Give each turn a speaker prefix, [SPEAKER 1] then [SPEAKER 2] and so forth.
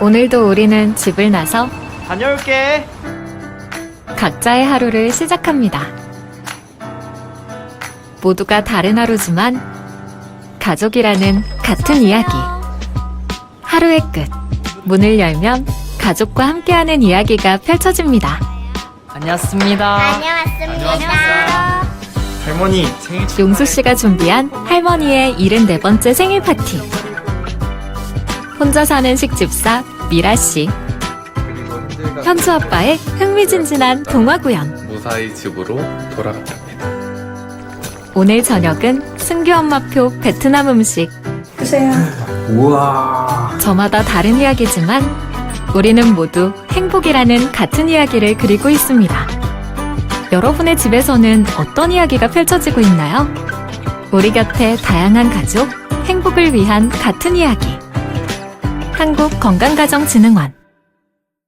[SPEAKER 1] 오늘도 우리는 집을 나서
[SPEAKER 2] 다녀올게.
[SPEAKER 1] 각자의 하루를 시작합니다. 모두가 다른 하루지만 가족이라는 같은 이야기. 하루의 끝. 문을 열면 가족과 함께하는 이야기가 펼쳐집니다.
[SPEAKER 2] 다녀왔습니다.
[SPEAKER 3] 다녀왔습니다.
[SPEAKER 2] 할머니 생일
[SPEAKER 1] 용수 씨가 준비한 할머니의 74번째 생일 파티. 혼자 사는 식집사 미라 씨. 현주 아빠의 흥미진진한 동화 구연.
[SPEAKER 4] 무사히 집으로 돌아갔답니다.
[SPEAKER 1] 오늘 저녁은 승규 엄마표 베트남 음식.
[SPEAKER 2] 우와.
[SPEAKER 1] 저마다 다른 이야기지만 우리는 모두 행복이라는 같은 이야기를 그리고 있습니다. 여러분의 집에서는 어떤 이야기가 펼쳐지고 있나요? 우리 곁에 다양한 가족, 행복을 위한 같은 이야기. 한국건강가정진흥원